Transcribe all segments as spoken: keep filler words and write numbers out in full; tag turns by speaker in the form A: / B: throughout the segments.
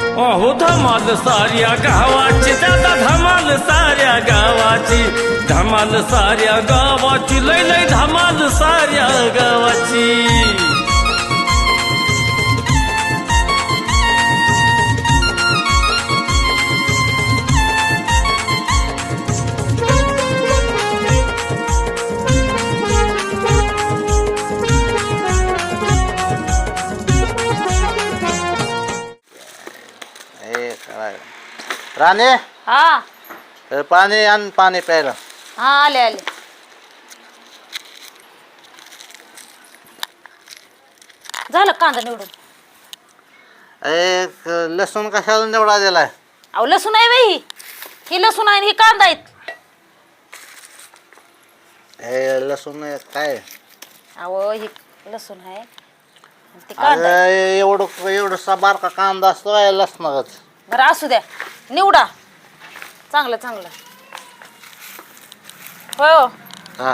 A: अहो धमाल साऱ्या गावाची दादा धमाल साऱ्या गावाची धमाल साऱ्या गावाची लय लय धमाल साऱ्या गावाची
B: राणे
C: हा
B: पाणी आण पाणी प्यायला.
C: हा आले आले. झालं कांदा निवडून.
B: एक लसूण कशाला निवडा दिलाय?
C: अहो लसूण आहे बाई, ही लसूण आहे ही कांदा आहेत.
B: हे लसूण काय?
C: अहो ही लसूण आहे ते कांदा आहे.
B: अरे एवढं एवढसा बारका कांदा असतो काय लसणारच?
C: बरं असू द्या, निवडा चांगलं चांगलं. होय हो,
B: हा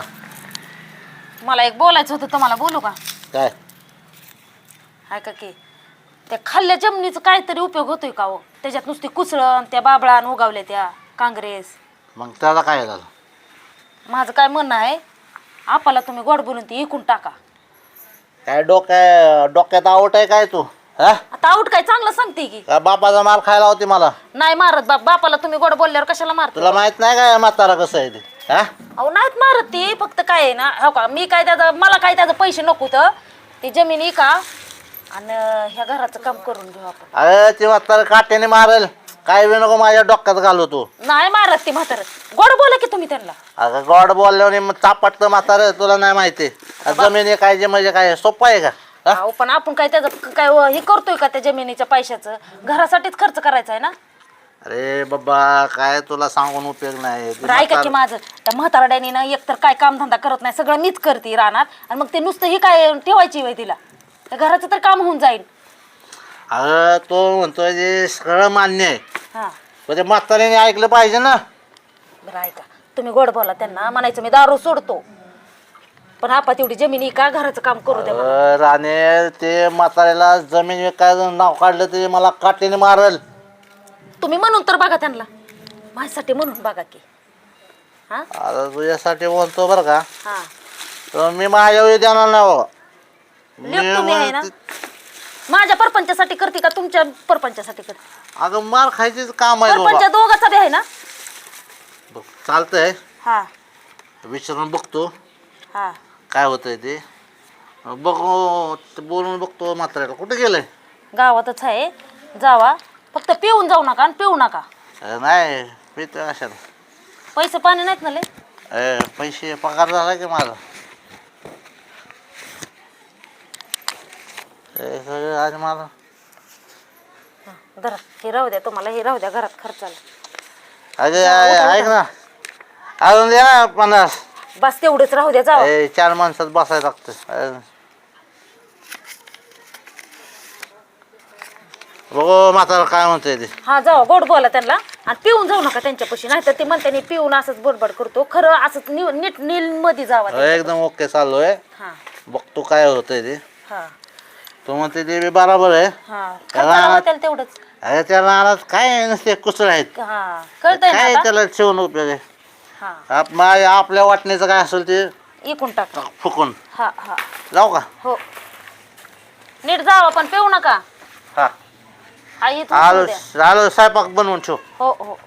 C: मला एक बोलायचं होतं, तुम्हाला बोलू का?
B: काय?
C: हाय का की त्या खाल्ल्या जमिनीचा काहीतरी उपयोग होतोय का हो? त्याच्यात नुसती कुसळण त्या बाबळान उगावल्या त्या काँग्रेस.
B: मग त्याला काय झालं?
C: माझं काय म्हणणं आहे, आपल्याला तुम्ही गोड बोलून ती इकून टाका.
B: काय डोक्या डोक्यात आवट आहे काय तू? हा
C: आता आऊट काय चांगलं सांगते की
B: का बापाचा मार खायला होती मला?
C: नाही मारत बाप, बापाला तुम्ही गोड बोलल्यावर कशाला मारता?
B: तुला माहित नाही काय म्हातारा कसं आहे ते? हा
C: अहो नाहीत मारत ती, फक्त काय आहे ना, हो का मी काय त्याचं, मला काय त्याचं पैसे नको तर ती जमीन का आणि ह्या घराचं काम करून घेऊ आपण.
B: अरे ती म्हातारा काट्याने मारेल, काय बी नको माझ्या डोक्यात घालू तू.
C: नाही मारत ती म्हातारं. गोड बोला की तुम्ही त्यांना.
B: अगं गॉड बोलल्याने मग चापटतं म्हातारं, तुला नाही माहिती जमीन काय जे म्हणजे काय सोपं आहे का? हा?
C: अहो पण आपण काय त्याचं काय हे करतोय का त्या जमिनीच्या पैशाचं? घरासाठीच खर्च करायचा आहे ना.
B: अरे बाबा काय तुला सांगून उपयोग नाही. ती
C: बरं ऐका की
B: म्हातारं-
C: माझं, त्या म्हातारड्यानी ना एकतर काय कामधंदा करत नाही, सगळं मीच करते रानात, आणि मग ते नुसतं ही काय ठेवायची वय तिला, त्या घराचं तर काम होऊन जाईल.
B: अगं तो म्हणतोय जे सगळं मान्य आहे,
C: हा
B: पण ते म्हाताऱ्याने ऐकलं पाहिजे ना.
C: बरं ऐका, तुम्ही गोड बोला त्यांना, म्हणायचं मी दारू सोडतो पण आपा तेवढी जमिनी का घराचं काम करू द्या मला.
B: अं, राणे ते म्हाताऱ्याला जमीन विकायचं नाव काढलं ते मला काट्याने मारल.
C: तुम्ही म्हणून तर बघा त्यांना, माझ्यासाठी म्हणून बघा की. हा
B: आता तुझ्यासाठी बोलतो बरं का,
C: हा
B: तर मी माझ्या वेळी देणार नाही बाबा.
C: लेक तुम्ही आहे ना,
B: मी-
C: माझ्या परपंचासाठी करते का तुमच्या परपंचासाठी करते?
B: अगं मार खायचीच काम आहे
C: परपंच
B: बाबा.
C: दोघाचा बी आहे ना.
B: बघ, चालतंय,
C: हा
B: विचारून बघतो
C: हा
B: काय होतंय ते. बघू ते बोलून बघतो म्हाताऱ्याला कुठे गेलंय.
C: गावातच आहे, जावा फक्त पिऊन जाऊ नका आणि पिऊ नका.
B: अं, नाही पितो अशा
C: पैसे पाणी नाहीत ना लय.
B: पैसे पगार झाला की माझा. हे सगळं आज मला
C: धरा हे राहू द्या, तुम्हाला हे राहू द्या घरात खर्चाला.
B: अगे ऐक ना, अजून द्या ना पन्नास.
C: बस तेवढंच राहू द्या, जावा.
B: ए, चार माणसात बसायला लागतं. बघू म्हातारा काय म्हणतोय ते.
C: हा जावा, गोड बोला त्यांना आणि पिऊन जाऊ नका त्यांच्यापाशी, नाही तर ते म्हणते नाही पिऊन असंच बडबड करतो, खरं असंच नि- नीट नील मध्ये जावा
B: हो, एकदम ओके चाललोय.
C: हा
B: बघतो काय होतंय ते.
C: हा
B: तू म्हणते ते बी बरोबर आहे.
C: हा खर्चाला होत्याला तेवढंच.
B: अरे त्या रानात काय नसते कुसळ आहेत,
C: हा कळतंय ना
B: काय
C: आता?
B: त्याला ठेवून उपयोग आहे.
C: हा
B: आप- मा- आपल्या वाटण्याचं काय असेल ते
C: इकून टाका.
B: फुकून
C: हा हा
B: जाऊ का?
C: हो नीट जावा पण पिऊ नका.
B: हा
C: हा इथून
B: आलो
C: पिऊ द्या.
B: आलो स्वयंपाक बनवून ठेव.
C: हो हो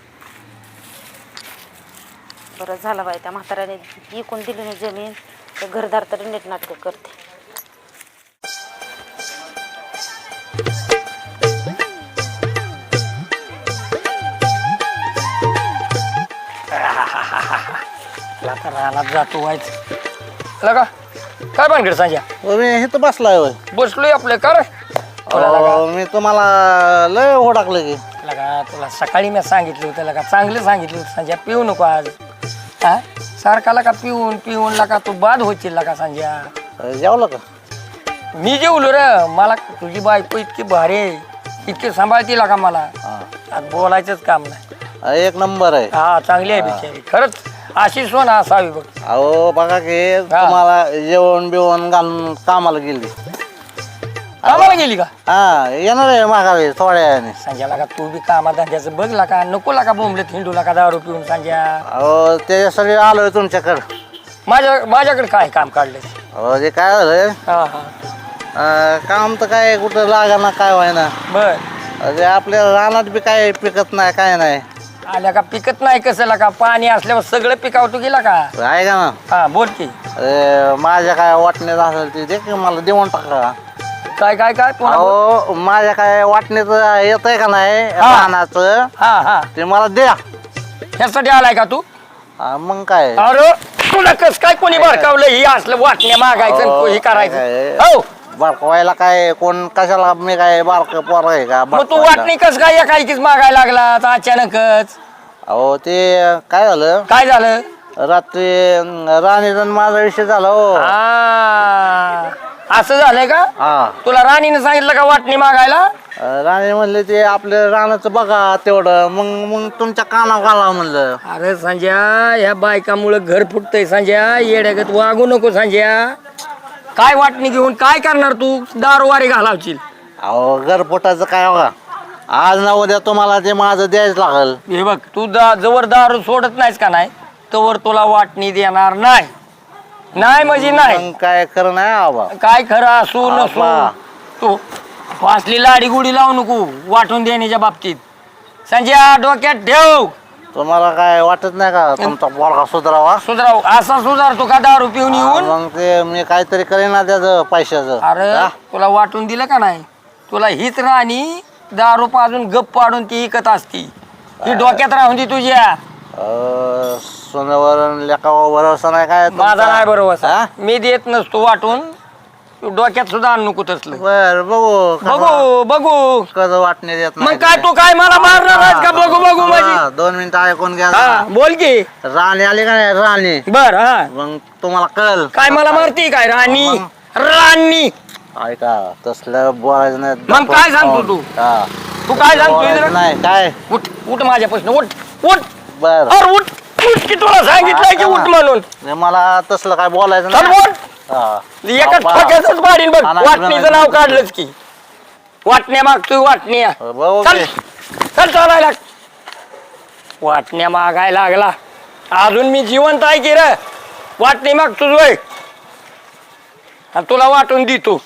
C: बरं झालं बाई, त्या म्हाताऱ्याने इकून दिली नाही जमीन, ते घरदार तरी नीट नाटक करते.
D: आता रानात जातो व्हायचं लगा. काय भानगड सांजा?
B: मी इथं बसलाय होय.
D: बसलोय आपलं कर.
B: अहो, मी तुम्हाला लय ओळखलं की.
D: लगा तुला सकाळी मी सांगितलं होतं लगा, चांगलं सांगितलं होतं संजय, पिऊ नको आज. हा सारखा लका पिऊन पिऊन लका तू बाद होशील लका संजय.
B: जेवलं का?
D: मी जेवलो रे, मला तुझी बायको इतकी भारी आहे, इतकी सांभाळती लका मला, आज बोलायचंच काम नाही.
B: एक नंबर आहे.
D: हा चांगली आहे बिचारी, खरंच अशी सोन असावी बघ.
B: अहो बघा की तुम्हाला जेवण बिवण घालून कामाला गेली
D: कामाला गेली का
B: हा येणार आहे मागावी थोड्या वेळाने.
D: संजयला का तू बी कामा धंद्याचं बघला का नको का बोंबले हिंडूला का दारू पिऊन संजय
B: अहो त्याच्यासाठी आलोय तुमच्याकडं.
D: माझ्या माझ्याकडे काय काम काढलं
B: अहो ते काय झालं
D: हा हा
B: अं, काम तर काय कुठं लागा ना काय व्हायना.
D: बर
B: अरे आपल्या रानात बी काय पिकत नाही काय नाही.
D: आल्या का पिकत नाही कसं का पाणी असल्यावर सगळं पिकावतो गेला का
B: आहे का ना.
D: हा बोल की
B: अरे माझ्या काय वाटण्यात असेल ते दे की मला देऊन टाका.
D: काय काय काय पुन्हा बोल.
B: अहो माझ्या काय वाटण्यात येत आहे का नाही
D: हा.
B: रानाचं
D: हा हा
B: ते मला द्या.
D: ह्यासाठी आलाय का तू
B: हा, मग काय
D: अरे तुला कस काय कोणी भडकावलं ही असलं वाटण्या मागायचं
B: अहो,
D: आणि हे करायचं
B: काय-
D: हो
B: बारकवायला काय कोण कशाला मी काय बारक पोर आहे का
D: मग तू
B: बारकवायला?
D: वाटणी कस काय एकाएकीच मागायला लागला आता अचानकच
B: अहो ते काय झालं
D: काय झालं
B: रात्री राणीचा माझा विषय झाला हो.
D: आ, असं झालंय का
B: हा
D: तुला राणीने सांगितलं का वाटणी मागायला
B: राणी म्हणले ते आपल्या रानाचं बघा तेवढं मग मग तुमच्या कानावर घाला म्हणलं.
D: अरे संजय या बायकामुळे घर फुटतंय संजय येड्यागत वागू नको संजय काय वाटणी घेऊन काय करणार तू दारूवारी घालावशील
B: अहो घरपोटाचं काय बघा आज ना उद्या तुम्हाला ते माझं द्यायच लागल.
D: हे बघ तू दा जवळ दारू सोडत नाहीस का नाही तवर तुला वाटणी देणार नाही नाही म्हणजे नाही
B: मग काय खरं नाही आबा.
D: काय खरं असू नसू
B: आबा.
D: तू फासली लाडी गुडी लावू नको वाटून देण्याच्या बाबतीत संजय डोक्यात ठेव
B: तुम्हाला काय वाटत नाही का तुमचा पोरगा सुधारावा.
D: सुधाराव असा सुधारतो का दारू पिऊन येऊन
B: मग ते मी काहीतरी करेन ना त्याचं पैशाचं.
D: अरे
B: हा?
D: तुला वाटून दिलं का नाही तुला हीच राणी दारू पाजून गप पाडून ती इकत असती ही डोक्यात राहून दे तुझ्या
B: अं, सोन्यावर लेखावर भरोसा नाही काय तुमचा?
D: माझा नाही बरोबर
B: हा?
D: मी देत नसतो वाटून तू डोक्यात सुद्धा आणू नको तसलं
B: बर बघू
D: बघू बघू
B: कसं वाटणे देत
D: मग काय तू काय मला मारणार आहेस का बघू बघू माझी
B: हा, दोन मिनिटं ऐकून घ्या
D: हा बोल की
B: राणी आली का नाही राणी
D: बर हा
B: मग तुम्हाला कळल
D: काय मला मारती काय राणी राणी
B: ऐका तसलं बोलायचं नाही.
D: मग काय सांगतो तू?
B: हा.
D: तू काय सांगतोय
B: बोलायचं
D: जरा? नाही
B: नाही काय
D: उठ उठ माझ्यापासून उठ उठ
B: बर
D: अरे उठ उठ की तुला सांगितलंय की उठ म्हणून
B: मला तसलं काय बोलायचं
D: चल
B: नाही.
D: उठ
B: हा.
D: एका
B: बाबा.
D: ठोक्यातच पाडीन बघ
B: हा, नाही,
D: वाटणीचं
B: नाही.
D: नाव काढलंच की वाटण्या मागतोय वाटण्या
B: बघू
D: चल
B: की.
D: चल चालायला वाटण्या मागायला लागला अजून मी जिवंत आहे की रे वाटणी मागतोच वय आणि तुला वाटून देतो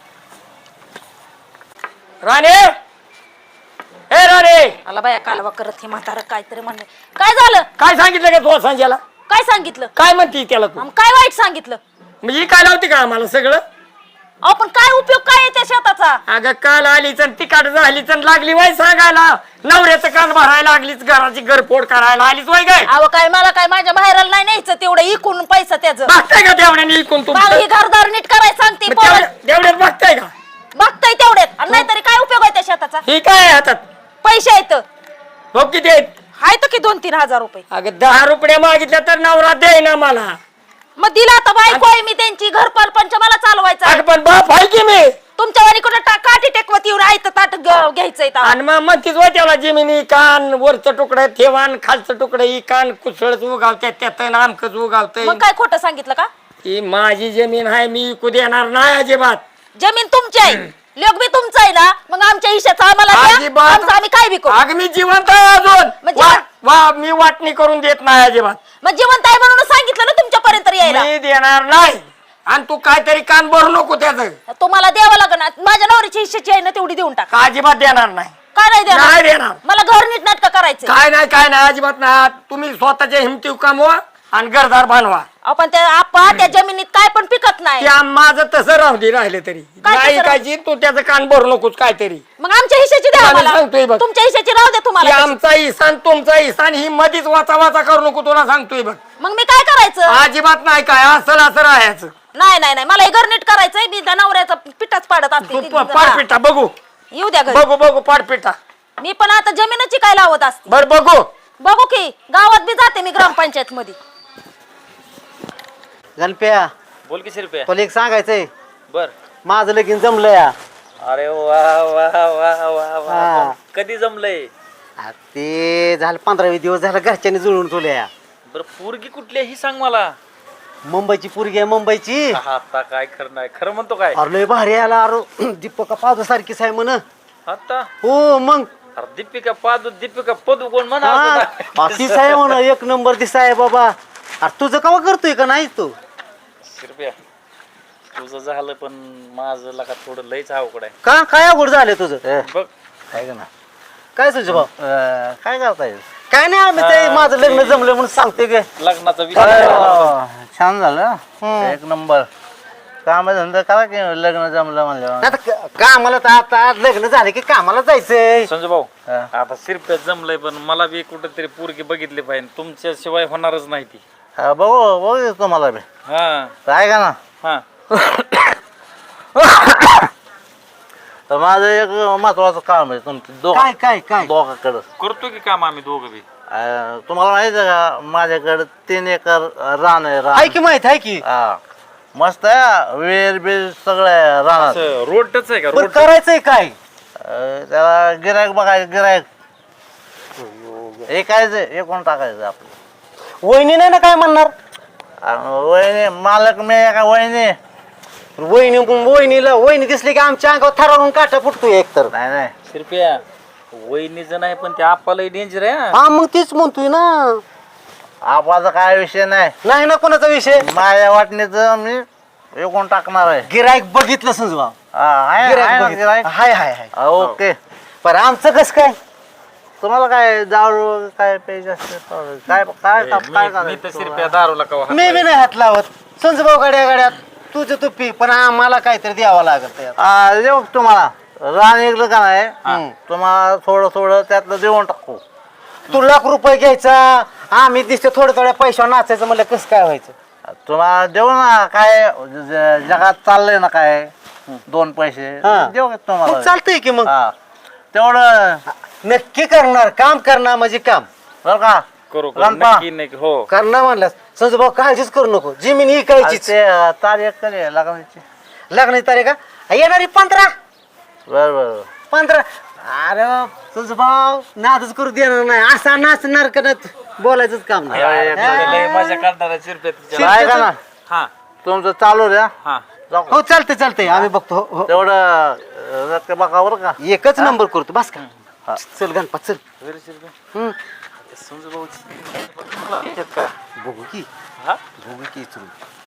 D: राणे ए राणे
C: आला बाया कालवा करत हे म्हातारं काहीतरी म्हणलं काय झालं
D: काय सांगितलं का तुला संजयला
C: काय सांगितलं
D: काय म्हणते त्याला तू
C: आम काय वाईट सांगितलं
D: म्हणजे काय लावते का आम्हाला सगळं
C: अहो पण काय उपयोग काय आहे त्या शेताचा
D: अगं काल आलीच आणि तिकाट झालीच आणि लागली वाय सांगायला नवऱ्याचं कान भरायला लागलीच घराची घरफोड करायला आलीच वाय काय
C: अहो काय मला काय माझ्या बाहेरला नाही न्यायचं तेवढं इकून पैसा त्याचं
D: बघताय का तेवढ्याने इकून
C: बाग ही
D: तुमचं
C: घरदार नीट करायला सांगते
D: मग
C: पोरं.
D: तेवढ्या- तेवढ्यात बघताय का
C: बघताय तेवढ्यात आणि नाहीतरी काय उपयोग आहे त्या शेताचा
D: ही काय आहे हातात
C: पैसे आहेत
D: बघ किती आहेत
C: आहेत की दोन तीन हजार रुपये
D: अगं दहा रुपये मागितल्या तर नवरा दे ना मला
C: मग दिला आता बायको आहे मी त्यांची घर परपंच मला चालवायचा आहे.
D: अगं पण बाप आहे की मी
C: तुमच्या वाणी कुठं टा- काठी टेकवत येऊन आहे तर ताट ग- घ्यायचंय तेव्हा.
D: आणि मग म्हणतीच वाय त्याला जमिनी कान वरचं तुकडं ठेवान खालचं तुकडं ही कान कुसळच उगावत्यात त्यात आमकच उगावतंय
C: मग काय खोटं सांगितलं का
D: ही माझी जमीन आहे मी इकू देणार नाही अजिबात
C: जमीन तुमची आहे लोक बी तुमचं आहे ना मग आमच्या हिश्याचं आम्हाला द्या.
D: अजिबात.
C: आमचं आम्ही काय बी करू
D: अगं मी जिवंत आहे अजून
C: मग
D: वा
C: जिवंत-
D: वा मी वाटणी करून देत नाही अजिबात
C: मग जिवंत आहे म्हणून सांगितलं ना तुमच्यापर्यंत यायला
D: मी देणार नाही आणि तू काहीतरी कान भरू नको त्याचं
C: तुम्हाला द्यावं लागणार माझ्या नवऱ्याची हिश्श्याची आहे ना तेवढी देऊन टाका
D: का अजिबात देणार नाही
C: काय नाही
D: नाही
C: देणार
D: देणार
C: मला घर नीट नाटक करायचं
D: काय नाही काय नाही अजिबात नाही तुम्ही स्वतःच्या हिमती कमवा आणि घरदार बांधवा
C: आपण त्या आपा त्या जमिनीत काय पण पिकत नाही
D: त्या माझं तसं राहू दे राहिले तरी
C: काय
D: नाही
C: तसं
D: कायची तू त्याचं कान भरू नकोस काहीतरी
C: मग आमच्या हिश्श्याची द्या
D: आम्ही
C: आम्हाला.
D: सांगतोय बघ.
C: तुमच्या हिश्श्याची राहू द्या
D: की
C: तुम्हाला तशी.
D: आमचा इसान तुमचा इसान ही मधीच वाचा वाचा करू नको तुला सांगतोय बघ
C: मग मी काय करायचं
D: अजिबात नाही काय असं असं राहायचं
C: नाही नाही नाही मला हे घर नीट करायचंय मी त्या नवऱ्याचा पिठाच पाडत असते
D: तू
C: ती-
D: प-
C: हा.
D: पाडपिटा बघू
C: येऊ द्या घरी
D: बघू बघू पाडपिटा
C: मी पण आता जमिनीची काय लावत असते
D: बर बघू
C: बघू की गावात बी जाते मी ग्रामपंचायत मध्ये
B: गणप्या
A: बोल की रुपया
B: तुला एक सांगायचंय
A: बर
B: माझं लगीन जमलं या
A: अरे वा वा वा वा वा
B: हा.
A: कधी जमलंय
B: आ, ते झालं पंधरा वीस दिवस झालं घरच्यांनी जुळून तुला या
A: बर पोरगी कुठली आहे ही सांग मला
E: मुंबईची पोरगी आहे मुंबईची.
F: आता काय खरं नाही खरं म्हणतो काय
E: अरे लय भारी आला अरे दीपका पादू सारखीच आहे म्हण.
F: आता
E: हो मग
F: अरे दीपिका पादू दीपिका पदू कोण म्हणा
E: हा, तीच आहे म्हण एक नंबर दिसा आहे बाबा. अरे तुझं कवा करतोय का नाही तू?
F: रुपया तुझं झालं पण माझं लका थोडं लयच अवघड आहे
E: का काय अवघड झालं तुझं?
B: ए,
F: बघ
B: काय का ना
E: काय तुझं भाऊ?
B: अं, काय करताय
E: काय नाही आम्ही ते माझं लग्न जमलं म्हणून सांगते गे.
F: लग्नाचा विचार
B: अरे वा, छान झालं एक नंबर. काम धंदा करा की लग्न जमलं म्हणल्यावर.
E: आता क- कामाला तर आता लग्न झालं की कामाला जायचंय.
F: संजू भाऊ
B: हा.
F: आता सिरप्यात जमलंय पण मला बी कुठेतरी पोरगी बघितली पाहिजे तुमच्याशिवाय होणारच नाही ती
B: हा, बघू बघू तुम्हाला बी
F: हा
B: काय का ना.
F: हा
B: तर माझं एक महत्वाचं काम आहे तुमचं दोघ
E: काय काय काय
B: दोघाकडं.
F: करतो की काम आम्ही दोघं बी
B: अं, तुम्हाला माहिती आहे का माझ्याकडे तीन एकर रान आहे
E: आहे
B: रान.
E: की माहित आहे की.
B: हा मस्त आहे वेर बीर सगळं आहे रानात.
F: असं रोडच आहे का
E: पण
F: रोड
E: करायचंय काय?
B: अं, त्याला गिरायक बघायचं गिरायक ऐकायचं एकूण टाकायचं आपलं.
E: वहिनी नाही ना काय म्हणणार?
B: आणि वहिनी मालक मी आहे का वहिनी.
E: वहिनी वहिनीला वहिनी दिसली की आमच्या अंगावर थरावून काटा फुटतो एकतर.
B: नाही नाही
F: सिरप्या वहिनीचं नाही पण ते आपल्याला डेंजर आहे हा.
E: हा मग तीच म्हणतोय ना.
B: आपाचा काय विषय नाही.
E: नाही ना कोणाचा विषय.
B: माझ्या वाटणीचं मी एकूण टाकणार आहे.
E: गिरायक बघितलं समजा.
B: हा, आहे- आहे
E: गिरायक
B: ना
E: बघितलं.
B: गिरायक?
E: हाय हाय हाय.
B: हा, ओके.
E: पण आमचं कसं काय?
B: तुम्हाला काय दारू काय प्यायचं असते काय काय काय
F: मी- मी तर
B: करायचं
F: सिरप्या दारूला कवा हात
E: मी बी नाही हात लावत. संजभाऊ गाड्या गाड्यात तुझं तू पी पण आम्हाला काहीतरी द्यावं लागत.
B: हा, देऊ तुम्हाला रान ऐकलं का नाही तुम्हाला थोडं थोडं त्यातलं देऊन टाकू.
E: तू लाख रुपये घ्यायचा आम्ही दिसतो थोड्या थोड्या पैशावर नाचायचं म्हणलं कसं काय व्हायचं?
B: तुम्हाला देऊ ना काय ज- जगात चाललंय ना काय दोन पैसे
E: हा.
B: देऊ का
E: मग
B: तुम्हाला.
E: चालतंय की मग.
B: हा तेवढं
E: नक्की करणार काम करणार म्हणजे काम
B: बरं का.
F: करू करू.
B: रंपा.
F: नक्की नक्की हो
E: करणार म्हणलास संजूभाऊ काळजीच करू नको. जमीन ही
B: आणि
E: कायचीच.
B: ते तारीख कधी आहे लग्नाची.
E: लग्नाची तारीख का? येणारी पंधरा
B: बरं बरं
E: पंधरा. अरे संजूभाऊ नादच करू देणार नाही. असा नाचणार करत बोलायचंच काम नाही.
B: अरे,
F: लय मजा काढणार आहे सिरप्या तिच्या.
B: काय का ना
F: हा
B: तुमचं चालू द्या.
F: हा
B: जाऊ.
E: हो चालतंय चालतंय आम्ही बघतो. हो, हो.
B: तेवढं रक्त बघा बरं का.
E: एकच नंबर करतो बस का.
B: हा.
E: चल गणपत चल.
F: घरी सिरप्या
E: हम्म.
F: संजू भाऊची का
E: बघू की
F: हा
E: बघू की इथून.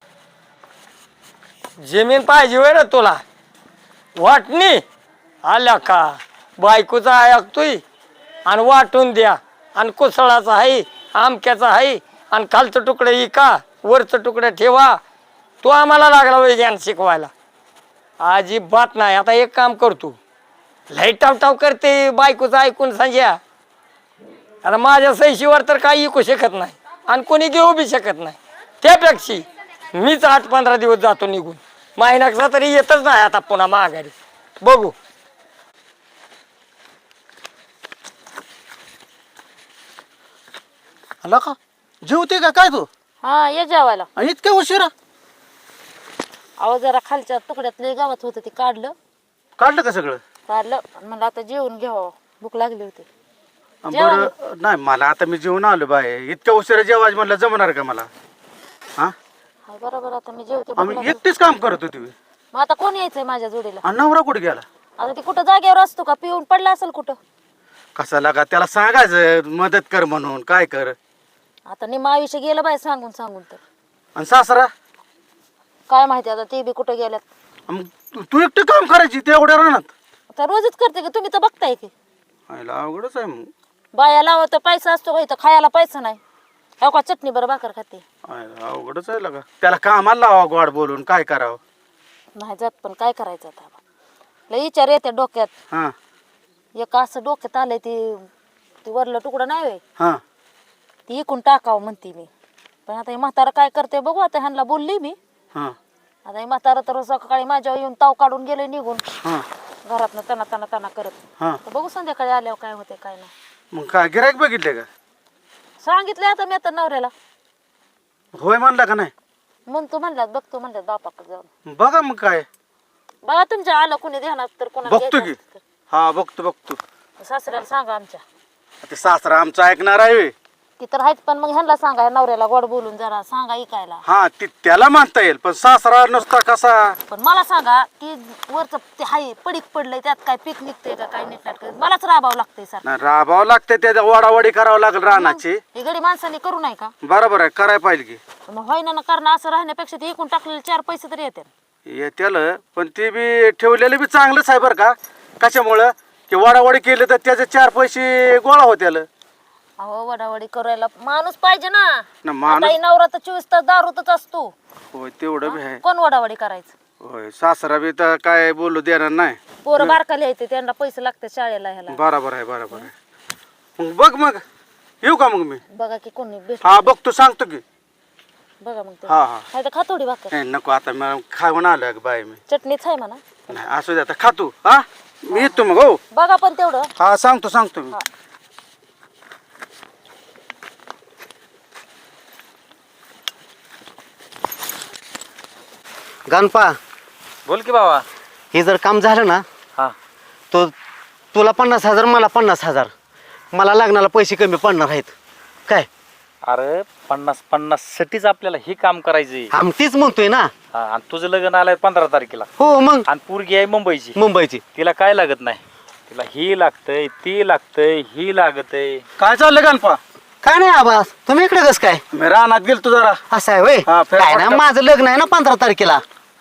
D: जमीन पाहिजे होय रे तुला वाटणी आल्या का बायकोचा ऐकतोय आणि वाटून द्या आणि कुसळाचा आहे आमक्याचा आहे आणि खालचं तुकडं इका वरचं तुकडं ठेवा. तो आम्हाला लागला वय ज्ञान शिकवायला अजिबात नाही. आता एक काम करतो लई टावटाव करते बायकोचं ऐकून सांग्या. आता माझ्या सैशीवर तर काही ऐकू शकत नाही आणि कोणी घेऊ बी शकत नाही. त्यापेक्षा मीच आठ पंधरा दिवस जातो निघून महिन्याचा तरी येतच नाही आता पुन्हा माघारी. बघू
E: आला का जेवते का काय तू?
C: हा ये जेवायला.
E: आणि इतक्या उशिरा
C: अहो जरा खालच्या तुकड्यातले गावात होतं ते काढलं
E: काढलं का सगळं?
C: काढलं आणि म्हणलं आता जेवून घ्यावं भूक लागली होती.
E: बरं नाही मला आता मी जेवण आलो बाय. इतक्या उशिरा जेवायचं म्हणलं जमणार का मला? हा
C: हा बरोबर आता मी जेवते भूक
E: आम्ही
C: लागली.
E: एकटीच काम करत होती.
C: मग आता कोण यायचंय माझ्या जोडीला?
E: आणि नवरा कुठे गेला?
C: आता ती कुठं जागेवर असतो का? पिऊन पडला असेल कुठं.
E: कसा लागा त्याला सांगायचं मदत कर म्हणून काय कर.
C: आता निम आयुष्य गेलं बाय सांगून सांगून तर
E: आणि सासरा
C: काय माहिती आता ते बी कुठं गेल्यात.
E: मग तू- तू एकटी काम करायची ते एवढ्या राहणार?
C: आता रोजच करते की तुम्ही तर बघताय की
E: आईला अवघडच आहे मग.
C: बाया लावा तर पैसा असतो का इथं खायला पैसा नाही. हो का चटणी बरं भाकर खाते
E: आईला अवघडच आहे लागा. त्याला कामाला लावा गोड बोलून काय करावं.
C: नाही जात पण काय करायचं आता. लय विचार येते डोक्यात.
E: हा
C: एक असं डोक्यात आलंय ती ती वरलं तुकडं नाही होय
E: हा
C: ती इकून टाकावं म्हणते मी. पण आता हे म्हातारा काय करते बघू. आता ह्यांना बोलली मी.
E: हा
C: आता हे म्हातारा तर सकाळी माझ्यावर येऊन ताव काढून गेले निघून
E: हा
C: घरातनं तना तना तना करत.
E: हा
C: तर बघू संध्याकाळी आल्यावर काय होते काय नाही.
E: मग काय गिरायक बघितले का?
C: सांगितले आता मी आता नवऱ्याला.
E: होय म्हणला का नाही?
C: म्हणतो म्हणल्यात बघतो म्हणल्यात बापाकडे जाऊन.
E: बघा मग काय
C: बघा तुमच्या आलं कोणी ध्यानात तर कोणा
E: बघतो की. हा बघतो बघतो.
C: सासऱ्याला सांगा आमच्या.
E: ते सासरा आमचा ऐकणार आहे.
C: ती तर आहेच, पण मग ह्यांना सांगा, ह्या नवऱ्याला गोड बोलून जरा सांगा ऐकायला.
G: हा ती त्याला मानता येईल पण सासरा नुसता कसा
C: पण मला सांगा की वरचं ते हाय पडीक पडलंय, त्यात काय पीक निघतंय का काय नीट मलाच राबावं लागतंय सर.
G: नाही, राबावं लागते त्याच्या वाडावाडी करावं लागेल रानाची.
C: हे गडी माणसाने करू नाही का?
G: बरोबर आहे, करायला पाहिजे की.
C: मग होईना ना करणं, असं राहण्यापेक्षा ते एकूण टाकलेले चार पैसे तरी येतात.
G: येत्याला पण ते बी ठेवलेलं बी चांगलंच आहे बरं का. कशामुळं की वाडावाडी केली तर त्याचे चार पैसे गोळा होत्याला.
C: अहो वडावडी करायला माणूस पाहिजे ना.
G: ना माणूस-
C: आता ही नवरा तर चोवीस तास दारूतच असतो.
G: होय तेवढं बी आहे.
C: कोण वडावडी करायचं?
G: होय सासरा बी तर काय बोलू देणार नाही.
C: पोरं बारकाले येते, त्यांना पैसे लागतात शाळेला ह्याला.
G: बरोबर आहे बरोबर आहे. मग बघ मग येऊ का मग मी.
C: बघा की कोणी भेट.
G: हा बघतो सांगतो की.
C: बघा मग ते.
G: हा हा
C: नाही तर खा थोडी भाकर.
G: नाही नको आता मला खाऊन आलोय ग बाई मी.
C: चटणीच आहे म्हणा.
G: नाही असू दे आता खातो. हा मी येतो मग. हो
C: बघा पण तेवढं.
G: हा सांगतो सांगतो मी.
E: गणपा,
F: बोल की बाबा.
E: हे जर काम झालं ना
F: हा
E: तो तुला पन्नास हजार मला पन्नास हजार मला लागणारा पैसे कमी पडणार आहेत काय.
F: अरे पन्नास पन्नास साठीच आपल्याला हे काम करायचंय.
E: आम तीच म्हणतोय ना.
F: हा, आणि तुझं लग्न आलंय पंधरा तारखेला
E: हो मग
F: आणि पोरगी आहे मुंबईची.
E: मुंबईची.
F: तिला काय लागत नाही, तिला ही लागतंय ती लागतंय ही लागतंय.
G: काय चाललं गणपा.
E: काय नाही आबास, तुम्ही इकडे कस काय.
G: मी रानात गेलतो जरा.
E: असं आहे होय.
G: हा, फेर
E: काय ना
G: फटका.
E: माझं लग्न आहे ना पंधरा तारखेला.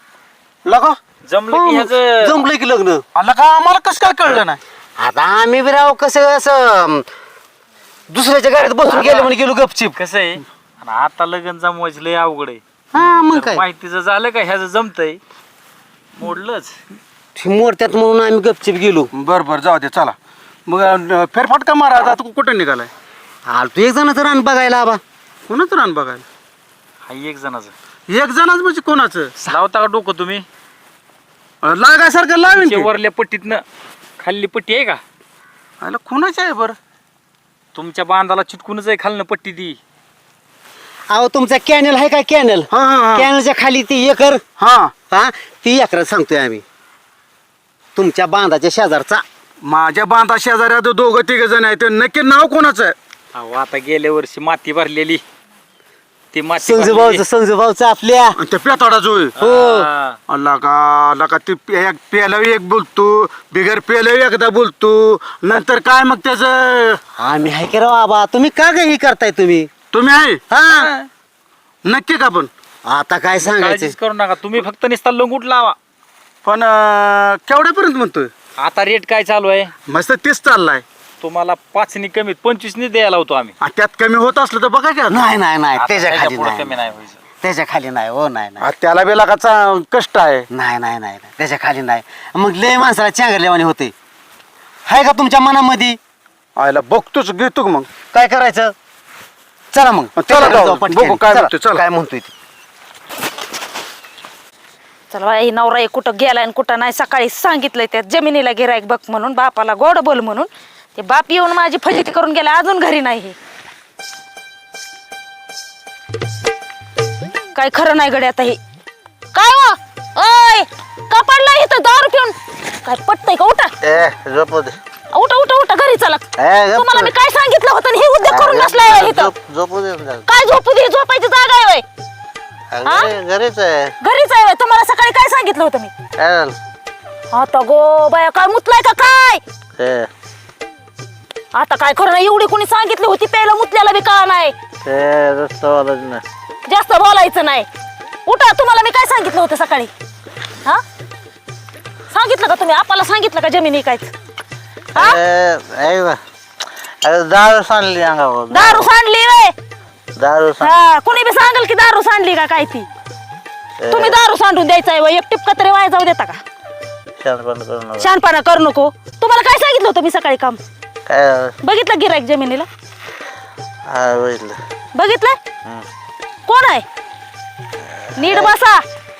G: लगा
F: जमलं
E: हो,
F: की ह्याचं
E: जमलं की लग्न.
G: आला का आम्हाला कसं काय कळलं नाही.
E: आता आम्ही बी राव कसं असं दुसऱ्याच्या गाडीत बसून गेलो म्हणून गेलो गपचिप.
F: कसं आहे. आणि आता लग्न जमवायचं लय अवघड आहे.
E: हा मग
F: जर
E: काय
F: माहितीचं झालं का ह्याचं जमतंय मोडलंच.
E: मोरत्यात म्हणून आम्ही गपचिप गेलो.
G: बर बर जाऊ दे चला. मग अं, फेरफटका मारा आता. तू कुठं निघालाय.
E: आलो तू एक जणाचं रान बघायला आबा.
G: कोणाचं रान बघायला.
F: हा एक जणाचं
G: एक जणच म्हणजे कोणाचं.
F: लावता का डोकं तुम्ही.
G: अं, लागायसारखं लावीन की.
F: वरल्या पट्टीतनं खाल्ली पट्टी आहे का.
G: आला कोणाचं आहे बरं.
F: तुमच्या बांधाला चिटकूनच आहे खालनं पट्टी ती.
E: अहो तुमचा कॅनल आहे का कॅनल.
G: हा हा हा.
E: कॅनलच्या खाली ती एकर.
G: हा
E: हा ती एकरात सांगतोय आम्ही. तुमच्या बांधाच्या शेजारचा.
G: माझ्या बांधा शेजाऱ्या दोघं तिघ जण आहेत. ते नक्की नाव कोणाचं आहे.
F: अहो आता गेल्या वर्षी माती भरलेली ती माती
E: संजूभाऊचं
F: भरलेली.
E: संजूभाऊचं आपल्या.
G: आणि ते पेताडा जो आहे.
E: हो
F: हा.
G: अल्ला का अल्ला का ते पे- एक पेल्यावर एक बोलतो बिगर पेल्यावर एकदा बोलतो नंतर काय मग त्याचं.
E: आम्ही आहे की राव आबा. तुम्ही का ग ही करताय तुम्ही.
G: तुम्ही आहे
E: हा
G: नक्की का पण.
E: आता काय सांगायचं.
F: काळजीच करू नका तुम्ही, फक्त निस्ता लंगूट लावा.
G: पण अं, केवढ्यापर्यंत म्हणतोय.
F: आता रेट काय चालू आहे.
G: मस्त तीच चाललाय.
F: तुम्हाला पाचनी कमीत पंचवीसनी द्यायला होतो आम्ही.
G: आ, त्यात कमी होत असलं तर बघा की.
E: नाही नाही नाही
F: आता
E: त्याच्या
F: त्याच्या
E: खाली
F: पुढं
E: नाही
F: कमी नाही व्हायचं.
E: त्याच्या खाली नाही हो. नाही नाही
G: आ, त्याला बी लागाचा कष्ट आहे.
E: नाही नाही नाही नाही. त्याच्या खाली नाही. मग लय माणसाला चांगल्यावानी होते. आहे का तुमच्या मनामध्ये.
G: आयला बघतोच घेतो मग.
E: काय करायचं. चला मग
G: चला
E: त्याच्याकडे
G: जाऊ.
E: जाऊ पटकन.
G: बघू काय
E: चला,
G: म्हणतोय, चला.
E: काय म्हणतोय ते.
C: चला बाई, नवरा एक कुठं गेलाय आणि कुठं नाही. सकाळी सांगितलंय त्या जमिनीला गिरायक बघ म्हणून, बापाला गोड बोल म्हणून. ते बाप येऊन माझी फजिती करून गेला, अजून घरी नाही. हे काय खरं नाही गड्या आता. हे काय हो ओय का पडला इथं दारू पिऊन. काय पटतंय का. उठा
B: ए झोपू दे.
C: उठा उठा उठा घरी चला.
B: ए, गप्प.
C: तुम्हाला मी काय सांगितलं होतं आणि हे उद्योग करून बसलाय इथं.
B: झोप- झोपू दे ना.
C: काय झोपू दे. झोपायची जागा आहे होय.
B: घरी- घरीच आहे.
C: घरीच आहे होय. तुम्हाला सकाळी काय सांगितलं होतं मी.
B: काय झालं?
C: आता गो बाया काय मुतलाय का काय.
B: ते
C: आता काय खरं नाही. एवढी कोणी सांगितली होती प्यायला, मुतल्याला बी कळा नाही.
B: ते रस्ता ना.
C: जास्त बोलायचं नाही. उठा. तुम्हाला मी काय सांगितलं होतं सकाळी. हा सांगितलं का तुम्ही. आपल्याला सांगितलं का जमीन विकायचं. हा
B: ए, ऐक ना. अरे दारू सांडली अंगावर.
C: दारू सांडली वय.
B: दारू सांड.
C: हा कुणी बी सांगेल की दारू सांडली का काय ती. तुम्ही दारू सांडून द्यायचा आहे एक टिपका तरी वाया जाऊ देता का.
B: शांतपणे करू नका.
C: शहाणपणा करू नको. तुम्हाला काय सांगितलं होतं मी सकाळी काम.
B: काय झालं?
C: बघितलं गिरायक जमिनीला.
B: हा बघितलं.
C: बघितलं. कोण आहे. नीट बसा.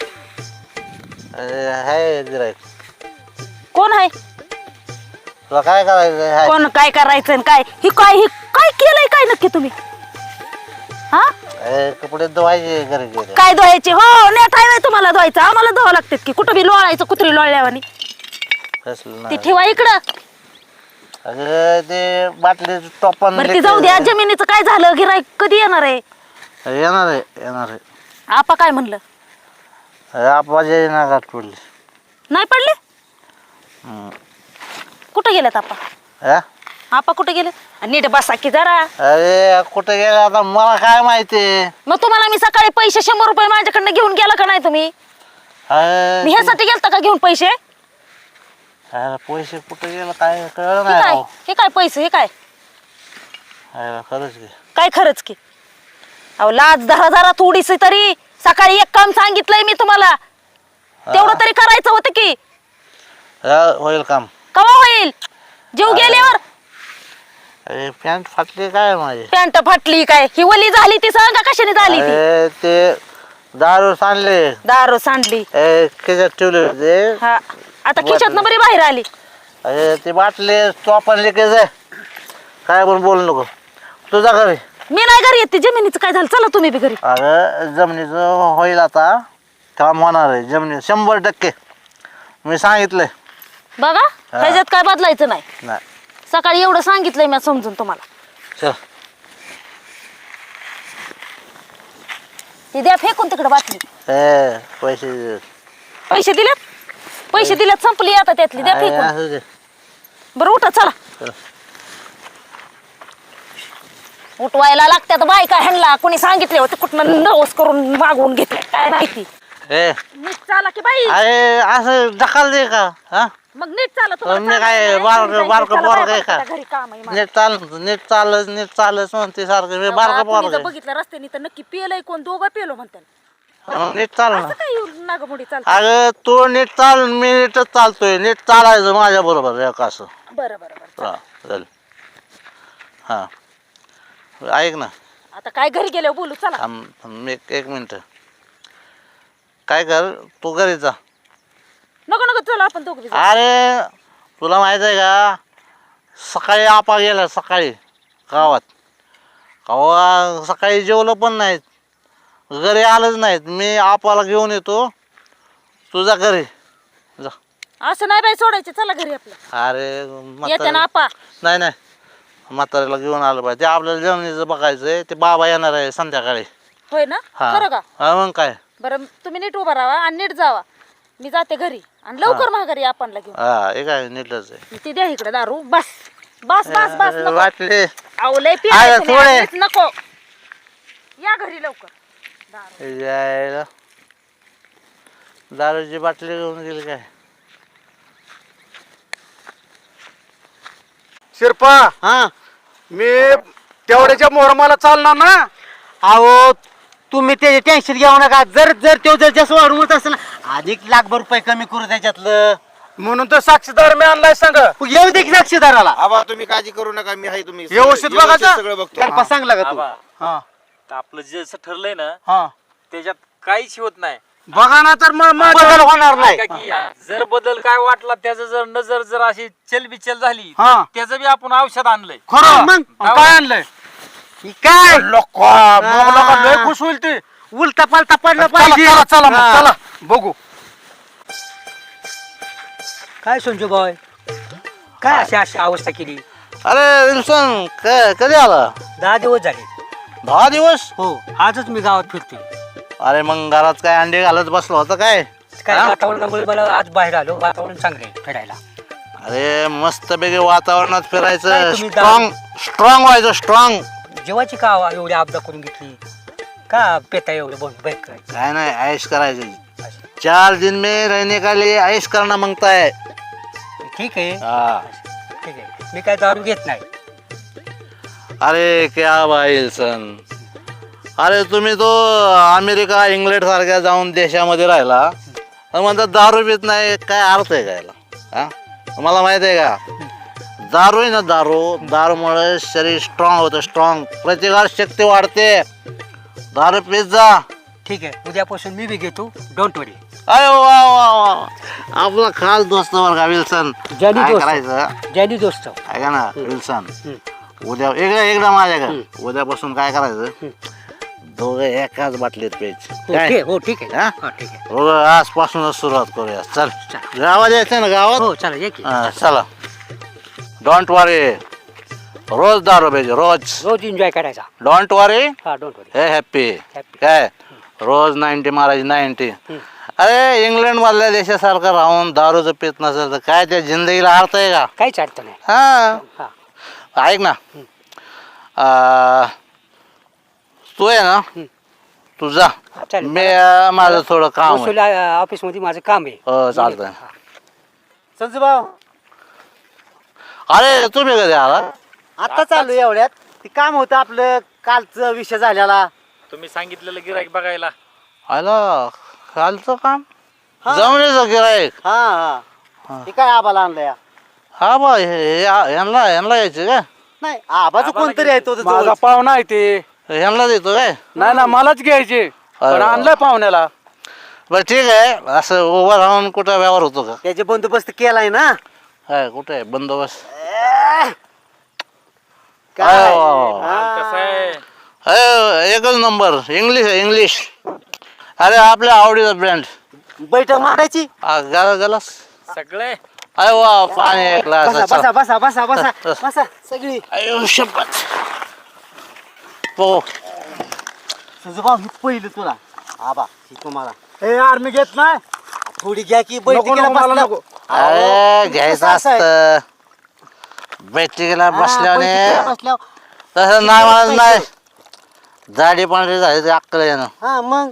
B: अरे हाय गिऱ्हाईक.
C: कोण आहे.
B: तुला काय करायचं हाय?
C: कोण काय करायचं आणि काय ही काय ही काय केलंय काय नक्की तुम्ही. हा
B: ए, कपडे धुवायचे घरी गेले.
C: काय धुवायचे. हो नेट आहे तुम्हाला धुवायचं. आम्हाला धुवा लागतात की. कुठं बी लोळायचं कुत्री लोळल्यावानी.
B: कसलं
C: ती
B: नाही.
C: ठेवा इकडं.
B: अगं ते बाटली टोपण
C: बरं ती जाऊ द्या, जमिनीचं काय झालं? गिराईक कधी येणार आहे?
B: येणार आहे येणार आहे
C: आपा काय म्हणलं?
B: आपाजी नागात पडली.
C: नाही पडले?
B: हम्म.
C: कुठं गेलेत आपा?
B: हा?
C: आपा कुठे गेले? नीट बसा की जरा.
B: अरे कुठे गेला आता मला काय माहिती.
C: मग तुम्हाला मी सकाळी पैसे शंभर रुपये माझ्याकडनं घेऊन गेला का नाही तुम्ही?
B: अरे
C: मी ह्यासाठी गेलता का घेऊन पैसे?
B: अरे पैसे कुठे गेला काय कळलं
C: हे
B: नाही
C: काय
B: राव.
C: हे काय पैसे? हे काय
B: अरे खरंच की.
C: काय खरंच की? अहो लाज धरा जरा थोडीशी तरी. सकाळी एक काम सांगितलंय मी तुम्हाला, तेवढं तरी करायचं होतं की.
B: हा, होईल काम.
C: कवा होईल? जीव गेल्यावर.
B: अरे पॅन्ट फाटली काय माझी.
C: पॅन्ट फाटली काय? ही वली झाली ती सांगा कशाने झाली ती?
B: अरे ते दारू सांडले
C: दारू सांडली.
B: ए, खिशात ठेवले होते.
C: हा आता खिशात बरी बाहेर आली.
B: अरे ते बाटले चोपण लिकेज आहे. काय पण बोलू नको. तुझा घरी.
C: मी नाही घरी येते. जमिनीचं काय झालं? चला तुम्ही बी घरी.
B: अगं जमिनीचं होईल आता काम होणार आहे. जमिनी शंभर टक्के मी सांगितलंय.
C: बघा ह्याच्यात काय बदलायचं नाही.
B: नाही
C: सकाळी एवढं सांगितलंय मी समजून तुम्हाला.
B: चल.
C: ती द्या फेकून तिकडे बाटली.
B: ए पैसे दे.
C: पैसे दिलेत? पैसे दिलेत संपली आता त्यातली. द्या
B: अरे,
C: फेकून.
B: असू दे.
C: बरं उठा चला.
B: चल.
C: उठवायला लागतात बायका ह्यांना. कोणी सांगितले होते कुठनं नवस करून मागवून घेतले काय माहिती.
B: ए
C: नीट चाला की बाई.
B: अरे असं ढकल दे का. हा
C: मग नीट चाला. तुम्हाला
B: मी काय
C: चालायला
B: बारकं-
C: नाही,
B: बारकं
C: चला
B: पोरगं
C: बाया,
B: आहे का?
C: पटकन घरी काम आहे मला.
B: नीट चाल नीट चालच नीट चालच म्हणते सारखं मी बारका
C: आपण
B: पोरग
C: इथं बघितलं रस्त्याने तर नक्की पिलंय कोण. दोघं पिलो म्हणतात.
B: नीट चाल ना.
C: असं काय नागमुडी चालत.
B: अगं तू नीट चाल मी नीटच चालतोय. नीट चालायचं माझ्या बरोबर एक असं.
C: बरं बरं बरं.
B: हा चल. हा ऐक ना.
C: आता काय घरी गेल्यावर बोलू चला.
B: थांब थांब, एक एक मिनिट. काय कर तू घरी जा.
C: नको नको चला आपण दोघं बी जाऊ.
B: अरे तुला माहित आहे का सकाळी आपा गेला सकाळी गावात. गावा सकाळी जेवलं पण नाहीत. घरी आलंच नाहीत. मी आपाला घेऊन येतो तुझा घरी जा.
C: असं नाही बाई सोडायचे. चला घरी आपलं.
B: अरे
C: येते ना
B: म्हातारे
C: आपा.
B: नाही नाही म्हाताऱ्याला घेऊन आलं पाहिजे. ते आपल्याला जमिनीचं बघायचंय. ते बाबा येणार आहे संध्याकाळी.
C: होय ना?
B: हा
C: खरं का?
B: हा मग काय.
C: बरं तुम्ही नीट उभा राहा आणि नीट जावा. मी जाते घरी आणि लवकर माघारी आपणला घेऊन.
B: हा हे काय नीटच आहे.
C: ती द्या इकडे दारू. बस बस बस बस नको.
B: वाटले
C: अहो लय
B: अरे,
C: पियायचं
B: थोडे.
C: नाही. नीट नको. या घरी लवकर. दारू.
B: यायला दारूची बाटली घेऊन गेली काय.
G: शिरपा
E: हा
G: मी तेवढ्याच्या मोहरमाला चालणार ना.
E: अहो तुम्ही त्याचे टेन्शन घेऊ नका. जर जर तो जर जास्त वाढून होत असेल ना अधिक लाखभर रुपये कमी करू त्याच्यातलं.
G: म्हणून तर साक्षीदार मी आणलाय सांग.
E: येऊ दे की साक्षीदाराला.
H: आबा तुम्ही काळजी करू नका. मी आहे तुम्ही
G: व्यवस्थित बघायचं?
H: सगळं बघतो.
E: त्याला सांगला का तू?
F: आबा,
G: हा
F: तर आपलं जे असं ठरलंय ना
G: हा
F: त्याच्यात काहीच होत नाही.
G: बघा ना तर मग
E: बदल
G: माझ्या-
E: होणार नाही.
F: का की जर बदल काय वाटला त्याचं जर नजर जर अशी चलबिचल झाली
G: हा.
F: तर त्याचं बी आपण औषध आणलंय.
G: खरं
E: मग?
G: मग काय आणलंय.
E: ही काय
G: लोका मग लोका लय खुश होईल ते.
E: उलटा पालटा पडलं
G: चला
E: पाहिजे.
G: चला चला मग,
E: हा.
G: चला बघू.
I: काय संजू बॉय काय अशी अशी अवस्था केली?
B: अरे विल्सन क- कधी आला.
I: दहा दिवस झाले.
B: दहा दिवस.
I: हो आजच मी गावात फिरतोय.
B: अरे मग घरात काय अंडे घालत बसलो होतं काय.
I: काय
B: हा?
I: वातावरणामुळे मला आज बाहेर आलो. वातावरण चांगलं आहे फिरायला.
B: अरे मस्त पैकी वातावरणात
I: काय
B: फिरायचं.
I: तुम्ही
B: स्ट्रॉंग स्ट्रॉंग व्हायचं स्ट्रॉंग.
I: जेवायची का एवढी आपदा करून घेतली का? पेता एवढं बघ बाईक करायचं.
B: काय नाही ऐश करायचं. चार दिन में रहने का लिए ऐश करना मांगता है.
I: ठीक आहे
B: हा.
I: ठीक आहे. मी काय दारू घेत नाही.
B: अरे क्या भाई विल्सन. अरे तुम्ही तो अमेरिका इंग्लंड सारख्या जाऊन देशामध्ये राहिला आणि म्हणतात दारू पित नाही. काय अर्थ आहे कायला. हा मला माहित आहे का दारू आहे ना दारू दारूमुळे शरीर स्ट्रॉंग होतं. स्ट्रॉंग प्रतिकार शक्ती वाढते. दारू पित जा.
I: ठीक आहे उद्यापासून मी बी घेतो. Don't worry.
B: अरे वा वा वा आपला खास दोस्त बरं का विल्सन.
I: जॅनी
B: काय
I: दोस्त.
B: करायचं
I: जॅनी दोस्त.
B: ऐका ना विल्सन उद्या एकदा एकदा माझ्याकडे उद्यापासून काय करायचं दोघं एकाच बाटलीत प्यायचे.
I: हो
B: काय?
I: ठीक हो ठीक आहे.
B: हा?
I: हा ठीक आहे.
B: हो, आजपासूनच सुरुवात करूया. चल गावात यायचं ना गावात.
I: हो चला ये की.
B: हा, चला डोंट वरी रोज दारू प्यायची रोज
I: रोज एन्जॉय करायचा.
B: डोंट वरी
I: हा डोंट वरी.
B: हे हॅप्पी
I: Happy.
B: काय रोज नाईन्टी मारायची नाईन्टी. अरे इंग्लंड मधल्या देशासारखं राहून दारूचं पित नसेल तर काय त्या जिंदगीला अर्थ आहे का?
I: काहीच अर्थ नाही.
B: हा
I: हा
B: ऐक ना आ, तू आहे ना तू जा
I: चालेल.
B: मी अं, माझं थोडं काम आहे.
I: वसुली ऑफिस मध्ये माझं काम आहे.
B: हो चालतंय.
E: संजू भाऊ
B: अरे तुम्ही कधी आला?
E: आता चालू आहे एवढ्यात ते काम होतं आपलं कालचा विषय झालेला.
F: तुम्ही सांगितलेलं गिराईक बघायला.
B: आला कालचं काम जमण्याचं गिराईक.
E: हा हा हे काय आबाला आणलंय?
B: हा बा हे- हे- यांना यांना यायचे काय?
E: नाही आबाचं कोणतरी आहे तो
G: माझा
E: जवळच.
G: पाहुणा आहे ते.
B: यांना देतो काय?
G: नाही ना मलाच घ्यायचे पण
B: अरे.
G: आणलंय पाहुण्याला.
B: बरं ठीक आहे. असं उभं राहून कुठं व्यवहार होतो का?
E: त्याचे बंदोबस्त केलाय ना.
B: काय कुठे आहे बंदोबस्त?
E: काय
B: अरे वा वा.
E: हा.
F: कसं आहे
B: अरे एकच नंबर इंग्लिश आहे इंग्लिश. अरे आपल्या आवडीचा ब्रँड
E: बैठक मारायची.
B: गाला गलास.
F: सगळे
B: अरे वा पाणी एक
E: बसा
B: ग्लास.
E: बसा बसा बसा बसा बसा सगळी.
B: अयो शपथ. हो
E: संजू भाऊ हे पहिलं तुला आबा हे तुम्हाला
G: हे यार मी घेत नाही.
E: थोडी घ्या की
G: नको,
E: बैठकीला
G: नको, मला
E: बसल्या.
G: नको.
B: अरे घ्यायचं
E: कसं आहे?
B: असतं बैठकीला
E: हा,
B: बसल्याने
E: बैठकीला बसल्यावर.
B: तसं नाही म्हणत नाही. झाडी पांढरी झाली ते अक्कल येणं
E: हा मग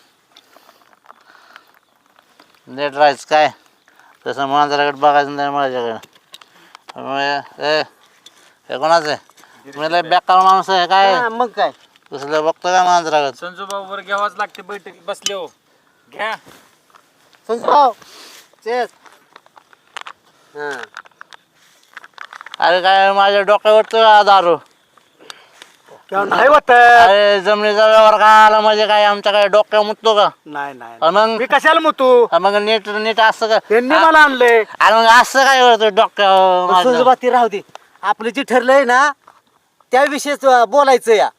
B: नीट राहायचं काय तसं मांजराकडे बघायचं नाही माझ्याकडे. मग ए हे कोणाचं आहे? मी लय बेकार माणूस आहे काय
E: हा, मग काय
B: तसलं बघतो काय मांजराकडे?
F: संजू भाऊवर घ्यावाच लागते बैठकीत बसले हो. घ्या.
E: संजू भाऊ चेस. हा
B: अरे काय माझ्या डोक्यावर तो दारू.
G: नाही होत.
B: अरे जमिनीचा व्यवहार काय आला म्हणजे काय आमच्या काय डोक्या मुततो का?
G: नाही नाही
B: अन मग
G: मी कशाला मुतू.
B: मग नीट नीट असं का?
G: त्यांनी मला आणले.
B: आणि मग असं काय करतो डोक्यावर
E: संजू
B: माझ्या?
E: भाऊ ते राहू दे. आपलं जे ठरलंय ना त्याविषयीच बोलायचं या.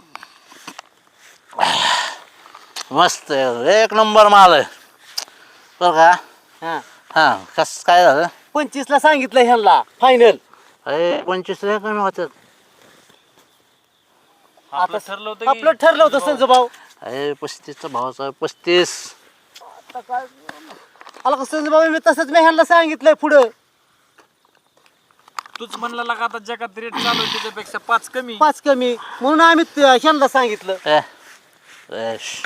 B: मस्त आहे. एक नंबर माल आहे बरं का?
E: हा
B: हा कस काय झालं?
E: पंचवीस ला सांगितलं ह्यांना फायनल.
B: अरे पंचवीस लय कमी होतात.
F: आपलं ठरलं होतं की
E: आपलं ठरलं होतं संजू भाऊ.
B: अरे पस्तीसचा भावाचा पस्तीस.
E: आला का संजू भाऊ मी तसंच मी ह्यांना सांगितलंय पुढं
F: तूच म्हणला लागा आता जगात रेट चालू आहे त्याच्यापेक्षा पाच कमी.
E: पाच कमी म्हणून आम्ही त- ह्यांना सांगितलं.
B: ए, ए, श.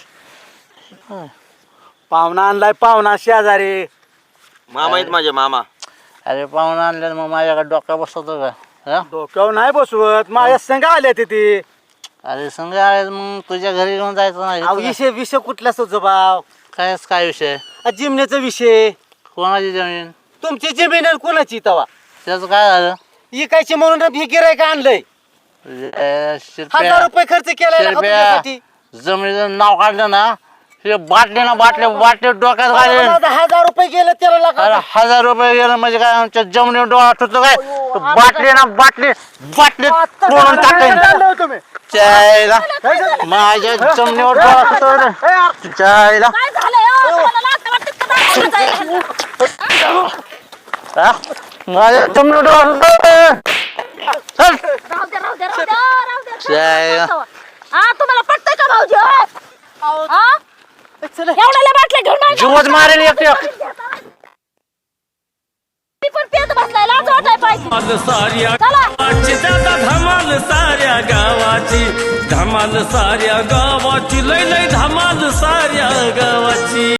G: पाहुणा आणलाय पाहुणा शेजारी.
H: मामा आहेत माझे मामा.
B: अरे पाहून आणलं मग माझ्याकडे डोक्या बसवतो का? हा?
G: डोक्यावर नाही बसवत माझ्या संघ आले ते.
B: अरे संग आले मग तुझ्या घरी घेऊन जायचं
E: अहो,
B: नाही
E: विषय विषय कुठला संजू भाऊ?
B: कायच काय विषय?
E: आ, जिमण्याचा विषय.
B: कोणाची जमीन?
E: तुमची जमीन आणि कोणाची तवा
B: त्याचं काय झालं?
E: इकायची म्हणून हे गिरायक आणलंय.
B: ए,
E: हजार
B: शिरप्या
E: रुपये खर्च केलाय ना
B: शिरप्या
E: तुमच्यासाठी.
B: जमिनीचं नाव काढलं ना हे बाटली ना बाटले बाटले डोक्यात घालेन.
E: माझं हजार रुपये गेलं त्याला
B: अरे
E: लागा.
B: हजार रुपये गेलं म्हणजे काय आमच्या जमिनीवर डोळा ठेवतो काय? बाटली ना बाटली बाटली तोडून टाकेन
G: तुम्ही
B: चायला माझ्या जमिनीवर डोळा ठेवतो रे. चायला
C: काय झालंय हो? तुम्हाला लाज वाटते का दाखवायला जायला?
B: हा? माझ्या जमिनीवर डोळा ठेवतो. चल.
C: राहू दे, राहू दे, राहू दे, राहू दे.
B: जय.
C: हा तुम्हाला पटतंय का भाऊजी हो? हा?
E: चला.
C: एवढ्याला बाटल्या घेऊन नाही जाऊ.
B: जीवच मारेल एक एक.
C: मी पण पेत बसलाय लाज वाटाय पाहिजे.
A: धमाल साऱ्या
C: चला.
A: गावाची दादा धमाल साऱ्या गावाची धमाल साऱ्या गावाची लय लय धमाल साऱ्या गावाची.